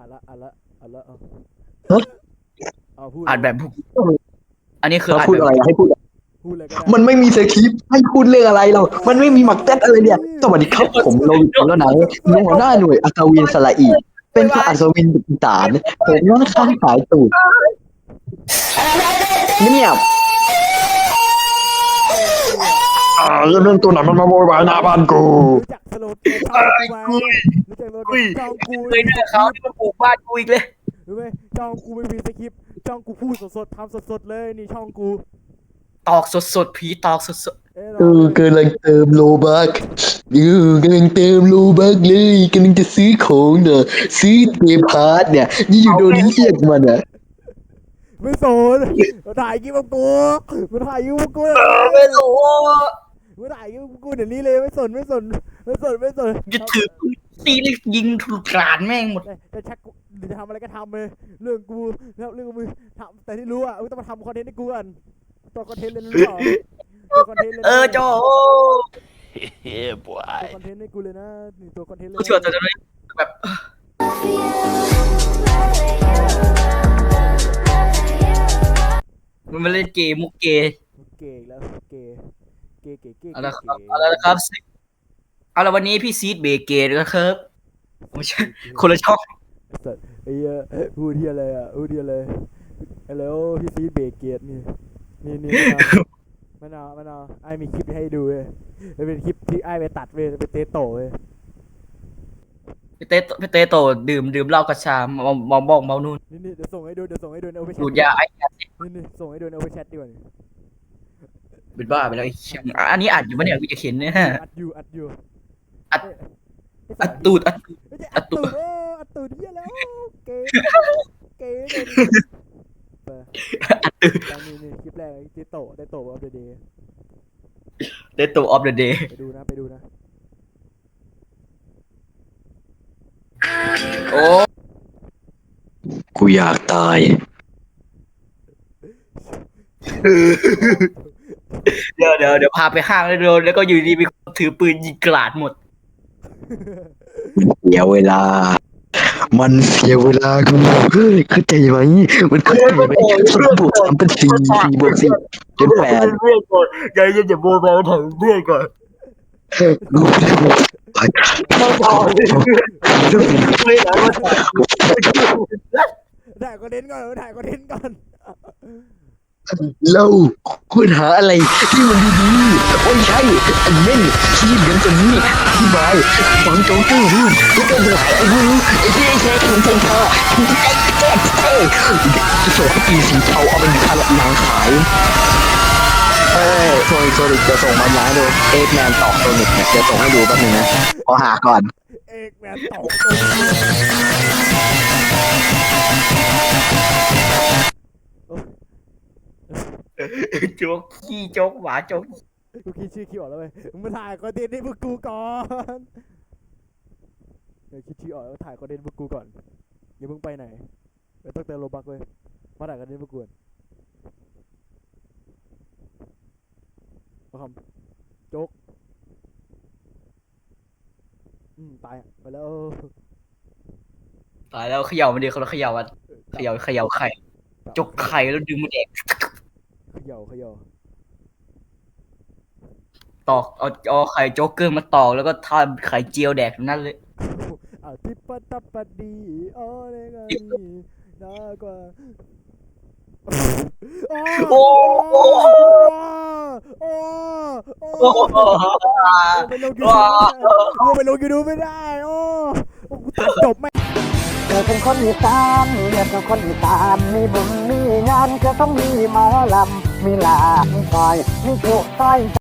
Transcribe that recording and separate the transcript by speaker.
Speaker 1: ละ
Speaker 2: ฮะ
Speaker 1: เอาพูด
Speaker 3: อ่านแบบอันนี้คือ
Speaker 2: เรา
Speaker 3: อ่าน
Speaker 2: พูด
Speaker 3: แบบ
Speaker 2: อะไรให้พูด
Speaker 1: พูดอะไรก็ได้
Speaker 2: มันไม่มีสคริปต์ให้พูดเรื่องอะไรเรามันไม่มีหมักแต๊ดอะไรเนี่ยสวัสดีครับผมโลวิทแล้วนะหัวหน้าหน่วยอัศวินสละอีเป็นพระอัศวินบุกตานผมนั่นข้างสายตูดเงียบเรื่องตัวไหนมันมาโวยวายหน้าบ้านกู
Speaker 1: รู้จักสโลแกนช่องกูไหมรู้จักสโลแกนช่องกู
Speaker 3: เคยเจอเขาที่มาปลูกบ้านกูอีกเลย
Speaker 1: รู้ไหมช่องกูไม่มีสคริปต์ช่องกูพูดสดๆทำสดๆเลยนี่ช่องกู
Speaker 3: ตอกสดผีตอกสด
Speaker 2: กำลังเติมโลบักกำลังเติมโลบักเลยกำลังจะซื้อของเนี่ยซื้อเทพาร์ทเนี่ยนี่อยู่โดนเรียกมันอ่ะ
Speaker 1: ไม่สนมาถ่ายคลิปกับกูมาถ่ายคลิปกับกู
Speaker 3: ไม่รู้
Speaker 1: มาถ่ายคลิปกับกูเดี๋ยวนี้เลยไม่สน
Speaker 3: จะถือตีเลยยิงถูกกรานแม่งหมด
Speaker 1: จะชักหรือจะทำอะไรก็ทำเลยเรื่องกูแล้วเรื่องมึงทำแต่ที่รู้อ่ะต้องมาทำคอนเทนต์ให้กูก่อนตัวคอนเทนต์เลยนะตัวคอนเทนต์เลย
Speaker 3: โจ
Speaker 1: ตัวคอนเทนต์ให้กูเลยนะนี่ตัวคอนเทนต์เลย
Speaker 3: กูชวนจะแบบมันมาเล่นเกมมุกเกย์
Speaker 1: เก๋แล้วเก๋
Speaker 3: เอาละครับเอาละวันนี้พี่ซีดเบเกย์นะครับไม่ใช่คนละช่อง
Speaker 1: สัตว์ไอ้เหี้ยพูดที่อะไรอ่ะพูดที่อะไรแล้วพี่ซีเบรกเกียรตินี่มันเอาไอ้มีคลิปให้ดูเว้ยมันเป็นคลิปที่ไอ้ไปตัดเว้ยเป็นเตโต้เว้ย
Speaker 3: พี่เต้โตดื่มเหล้ากระชามองบอกเมานู่น
Speaker 1: นี่เดี๋ยวส่งให้ดูในโอเปชั่น
Speaker 3: ดูดยาไอ้
Speaker 1: นี่ส่งให้ดูในโอเปชั่นดีกว่านี่
Speaker 3: เป็นบ้าไปแล้วไอ้อันนี้อัดอยู่ปะเนี่ยกูจะเขียนเนี่ย
Speaker 1: อัดอยู่
Speaker 3: อัดตูด
Speaker 1: อัดตูดเหี้ยแล้วเก๋เลยนี่คลิปแรกเตโต้อัปเดต
Speaker 3: เต้โตออฟเดอะเดย์
Speaker 1: ไปดูนะ
Speaker 3: โอ้
Speaker 2: กูอยากตาย
Speaker 3: เดี๋ยวพาไปห้างแล้วก็อยู่ดีมีคนถือปืนยิงกราดหมด
Speaker 2: เสียเวลา มันเสียเวลากูเข้าใจไหมมันเข้าใจไหม3+3เป็น4 4+4เป็น8
Speaker 3: เพื่อนก่อนใจเย็นอย่าโบแบถึงเพื่อนก่อน
Speaker 2: กูไม่ได้บอก
Speaker 3: ไม่พอไม่ไหนว่า
Speaker 1: ถ่ายคอนเทนต์ก่อน
Speaker 2: เราควรหาอะไรที่มันดีๆโอ้ยใช่อันเม่นที่เหมือนตัวนี้ที่บายฟังโจ๊กเกอร์พูดก็เป็นหลายไอ้รู้ไอ้ที่ไอ้แค่ของฉันค่ะจะส่งให้ปีสีเทาเอาไปทำหนังขายโซนิกจะส่งมาล้างดูเอ็กแมนตอกโซนิกเนี่ยจะส่งให้ดูแป๊บนึงนะขอหาก่อน
Speaker 1: เอกแมนตอก
Speaker 3: โจ๊กขี้โจ๊กหมาโจ๊ก
Speaker 1: กูคิดชื่อคิวออกแล้วเว้ยมึงมาถ่ายคอนเทนต์ให้พวกกูก่อนเดี๋ยวคิดชื่อออกแล้วถ่ายคอนเทนต์พวกกูก่อนอย่าเพิ่งไปไหนไม่ต้องเติมโลบักเว้ยมาถ่ายคอนเทนต์พวกกูก่อนมาคำโจ๊กตายไปแล้ว
Speaker 3: ตายแล้วเขย่ามันดีเขาเขย่ามันเขย่าไข่จกไข่แล้วดึงมันแดก
Speaker 1: เขย่า
Speaker 3: ตอกเอาไข่โจ๊กเกอร์มาตอกแล้วก็ทำไข่เจียวแดกนั่นเลย
Speaker 1: ทิปตัปปดีโอ้เลกานีน่ากว่า
Speaker 3: โอ้
Speaker 1: ไปลงยูทูบไม่ได้โอ้จบไม่
Speaker 4: เกิดเป็นคนอีสานเรียกเป็นคนอีสานมีบุญมีงานก็ต้องมีหมอลำมีลามีซอยมีจุซอย